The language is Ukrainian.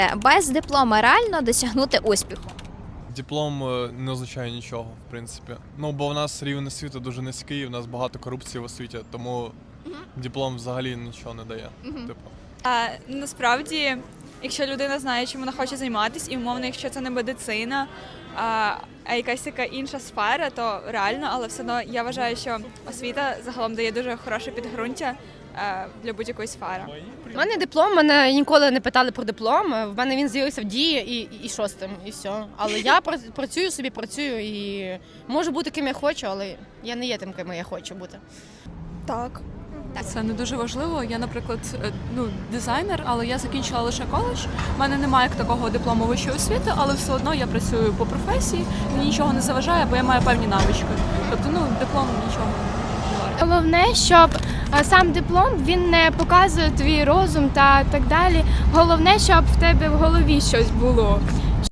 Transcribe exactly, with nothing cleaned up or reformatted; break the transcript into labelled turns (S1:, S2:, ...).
S1: Без диплома реально досягнути успіху?
S2: Диплом е, не означає нічого, в принципі. Ну, бо в нас рівень освіти дуже низький, в нас багато корупції в освіті, тому диплом взагалі нічого не дає. Типу.
S3: А, насправді, якщо людина знає, чим вона хоче займатися, і умовно, якщо це не медицина, а, а якась така інша сфера, то реально, але все одно я вважаю, що освіта загалом дає дуже хороше підґрунтя а, для будь-якої сфери.
S4: У мене диплом, мене ніколи не питали про диплом. В мене він з'явився в дії і, і, і що з тим, і все. Але я пра- працюю собі, працюю і можу бути ким я хочу, але я не є тим, ким я хочу бути.
S3: Так.
S5: Це не дуже важливо. Я, наприклад, е, ну, дизайнер, але я закінчила лише коледж. У мене немає як такого диплому вищої освіти, але все одно я працюю по професії, мені нічого не заважає, бо я маю певні навички. Тобто, ну, диплом нічого не варто.
S6: Головне, щоб е, сам диплом він не показує твій розум та так далі. Головне, щоб в тебе в голові щось було.